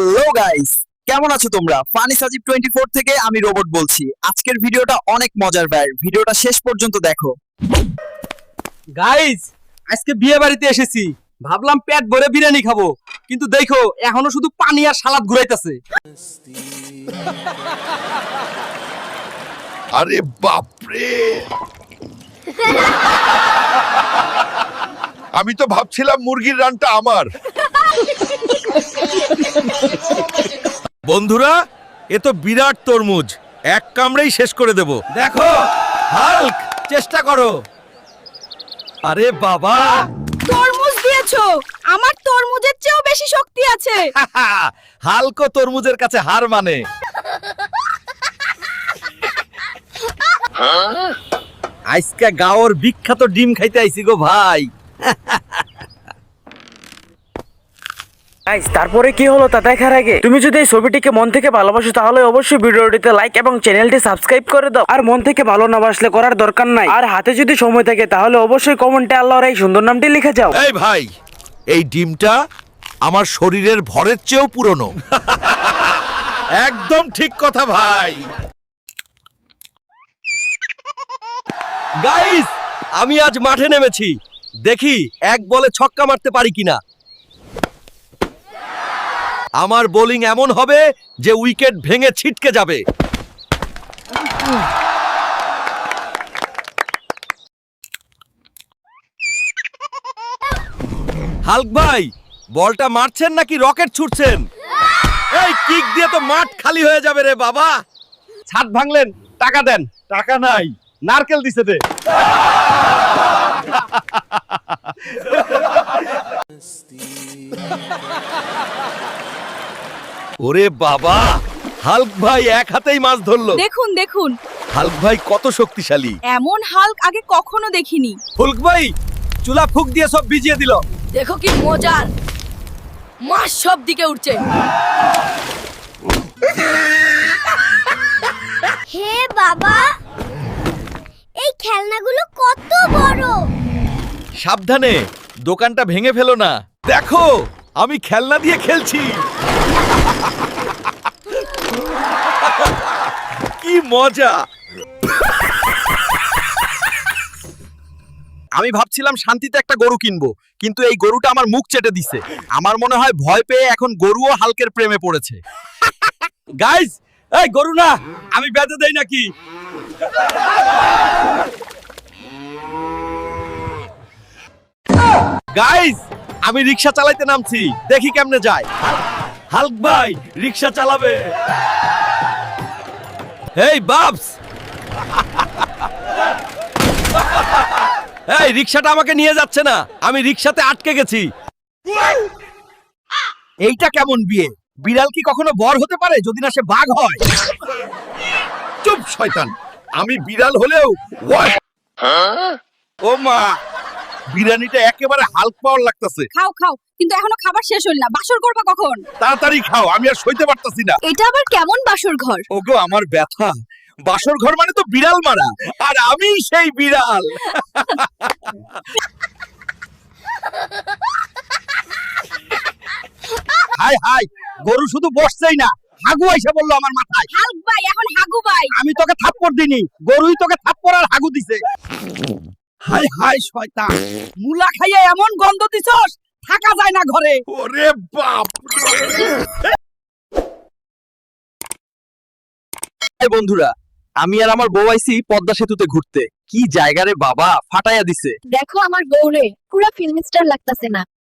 Hello guys, কেমন আছো তোমরা? ফানি সাজিব 24 থেকে আমি রোবট বলছি। আজকের ভিডিওটা অনেক মজার ভাই, ভিডিওটা শেষ পর্যন্ত দেখো। গাইস, আজকে বিয়ে বাড়িতে এসেছি, ভাবলাম পেট ভরে বিরিয়ানি খাবো, কিন্তু দেখো এখনো শুধু পানি আর সালাদ ঘুরাইতেছে। আরে বাপরে, আমি তো ভাবছিলাম মুরগির রানটা আমার। বন্ধুরা, এ তো বিরাট তরমুজ, এক কামড়েই শেষ করে দেব। দেখো হাল্ক, চেষ্টা করো। আরে বাবা, তরমুজ দিয়েছো, আমার তরমুজের চেয়েও বেশি শক্তি আছে। হালকো তরমুজের কাছে হার মানে। আজকে গাওর বিখ্যাত ডিম খাইতে আইছি গো ভাই। গাইস, তারপরে কি হলো তা দেখার আগে তুমি যদি এই ছবিটিকে মন থেকে ভালোবাসো তাহলে অবশ্যই ভিডিওটিতে লাইক এবং চ্যানেলটি সাবস্ক্রাইব করে দাও। আর মন থেকে ভালো না বাসলে করার দরকার নাই। আর হাতে যদি সময় থাকে তাহলে অবশ্যই কমেন্টে আল্লাহর এই সুন্দর নামটি লিখে যাও। এই ভাই, এই ডিমটা আমার শরীরের ভরের চেয়েও পুরনো। একদম ঠিক কথা ভাই। গাইস, আমি আজ মাঠে নেমেছি, দেখি এক বলে ছক্কা মারতে পারি কিনা। আমার বোলিং এমন হবে যে উইকেট ভেঙে ছিটকে যাবে। হাল্ক ভাই, বলটা মারছেন নাকি রকেট ছুটছেন? এই কিক দিয়ে তো মাঠ খালি হয়ে যাবে রে বাবা। ছাদ ভাঙলেন, টাকা দেন। টাকা নাই, নারকেল দিছে দে। ওরে বাবা, হাল্ক ভাই এক হাতেই মাছ ধরলো। দেখুন দেখুন, হাল্ক ভাই কত শক্তিশালী। এমন হাল্ক আগে কখনো দেখিনি। ফুলক ভাই, চুলা ফুক দিয়ে সব ভিজিয়ে দিল। দেখো কি মজার, মাছ সব দিকে উঠছে। হে বাবা, এই খেলনাগুলো কত বড়! সাবধানে, দোকানটা ভেঙে ফেলো না। দেখো, আমি খেলনা দিয়ে খেলছি। কি মজা। আমি ভাবছিলাম শান্তিতে একটা গরু কিনবো, কিন্তু এই গরুটা আমার মুখ চেটে দিছে। আমার মনে হয় ভয় পেয়ে এখন গরুও হালকের প্রেমে পড়েছে। গাইস, এই গরু না, আমি বেঁধে দেই নাকি? গাইস, আমি রিকশা চালাইতে নামছি, দেখি কেমনে যায়। হাল্ক ভাই, রিকশা চালাবে। এই বাবস, এই রিকশাটা আমাকে নিয়ে যাচ্ছে না, আমি রিকশাতে আটকে গেছি। এইটা কেমন বিয়ে? বিড়াল কি কখনো বর হতে পারে যদি না সে বাঘ হয়? চুপ শয়তান, আমি বিড়াল হলেও ও মা, বিরিয়ানিটা একেবারে হাল্ক পাওয়ার লাগতেছে। খাও খাও, কিন্তু এখনো খাবার শেষ হল না। বাসর করবা কখন? তাড়াতাড়ি খাও, আমি আর সইতে পারতাছি না। এটা আবার কেমন বাসর ঘর? ওগো আমার ব্যথা, বাসর ঘর মানে তো বিড়াল মারা, আর আমি সেই বিড়াল। হাই হাই, গরু শুধু বসছেই না, হাগু আইসা বললো আমার মাথায়। হাল্ক ভাই এখন হাগু ভাই। আমি তোকে থাপ্পড় দিনি, গরুই তোকে থাপ্পড় আর হাগু দিছে। হাই হাই শয়তান, মুলা খাইয়ে এমন গন্ধ দিছস, থাকা যায় না ঘরে। ওরে বাপ এই বন্ধুরা, আমি আর আমার বউ আইছি পদ্মা সেতুতে ঘুরতে। কি জায়গা রে বাবা, ফাটাইয়া দিছে। দেখো আমার বউরে, পুরা ফিল্ম স্টার লাগতাছে না?